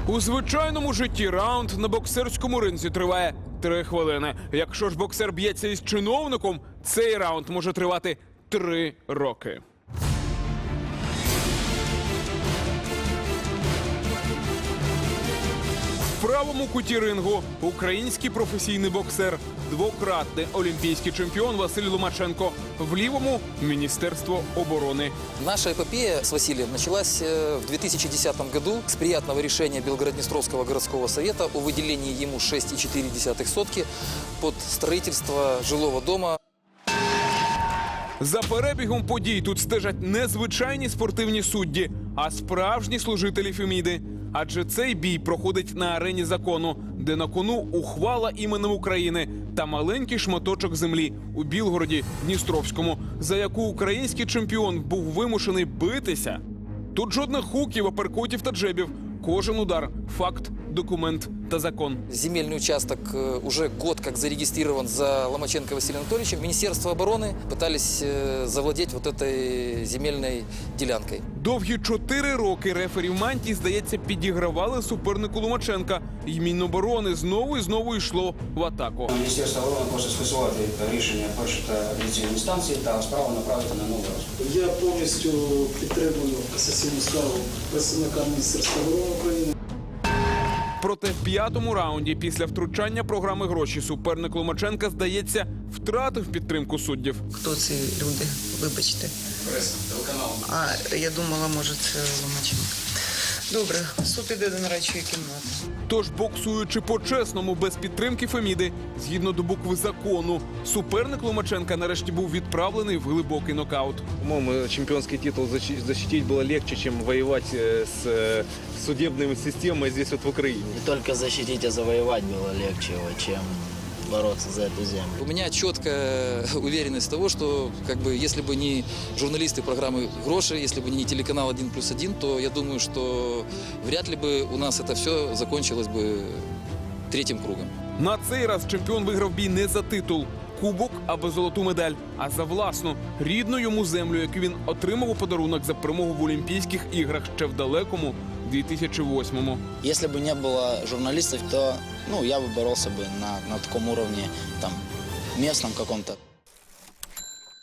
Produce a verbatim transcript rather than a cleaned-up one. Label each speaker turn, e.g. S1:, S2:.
S1: У звичайному житті раунд на боксерському ринзі триває три хвилини. Якщо ж боксер б'ється із чиновником, цей раунд може тривати три роки. В правому куті рингу український професійний боксер, двократний олімпійський чемпіон Василь Ломаченко. В лівому – Міністерство оборони.
S2: Наша эпопея с Василием началась в две тысячи десятом году с приятного решения Белгород-Днестровского городского совета о выделении ему шесть и четыре десятых сотки под строительство жилого дома.
S1: За перебігом подій тут стежать не звичайні спортивні судді, а справжні служителі Феміди. Адже цей бій проходить на арені закону, де на кону ухвала іменем України та маленький шматочок землі у Білгороді Дністровському, за яку український чемпіон був вимушений битися. Тут жодних хуків, аперкотів та джебів. Кожен удар – факт, документ та закон.
S2: Земельный участок уже год как зарегистрирован за Ломаченко Василием Анатольевичем. Министерство обороны пытались завладеть вот этой земельной делянкой.
S1: Довгі чотири роки рефері в мантії, здається, підігравали супернику Ломаченка. І Міноборони знову і знову йшло в атаку.
S3: Міністерство оборони може скасувати рішення першої та апеляційної інстанції та справу направити на новий розгляд.
S4: Я повністю підтримую касаційну скаргу представника Міністерства оборони України.
S1: Проте в п'ятому раунді після втручання програми «Гроші» суперник Ломаченка, здається, втратив підтримку суддів.
S5: Хто ці люди? Вибачте.
S3: Преса, телеканал.
S5: А, я думала, може, це Ломаченко. Добре, суд іде до нарадчої кімнати.
S1: Тож, боксуючи по-чесному, без підтримки Феміди, згідно до букви закону, суперник Ломаченка нарешті був відправлений в глибокий нокаут.
S6: По-моему, чемпионский титул защитить было легче, чем воевать с судебной системой здесь вот в Украине.
S7: Не только защитить, а завоевать было легче его, чем бороться за эту землю.
S2: У меня четкая уверенность того, что как бы, если бы не журналисты программы «Гроши», если бы не телеканал один плюс один, то я думаю, что вряд ли бы у нас это все закончилось бы третьим кругом.
S1: На цей раз чемпіон виграв бій не за титул, кубок або золоту медаль, а за власну, рідну йому землю, яку він отримав у подарунок за перемогу в Олімпійських іграх ще в далекому дві тисячі восьмому.
S7: Если бы не было журналистов, то ну, я бы боролся бы на, на таком уровне, там, местном каком-то.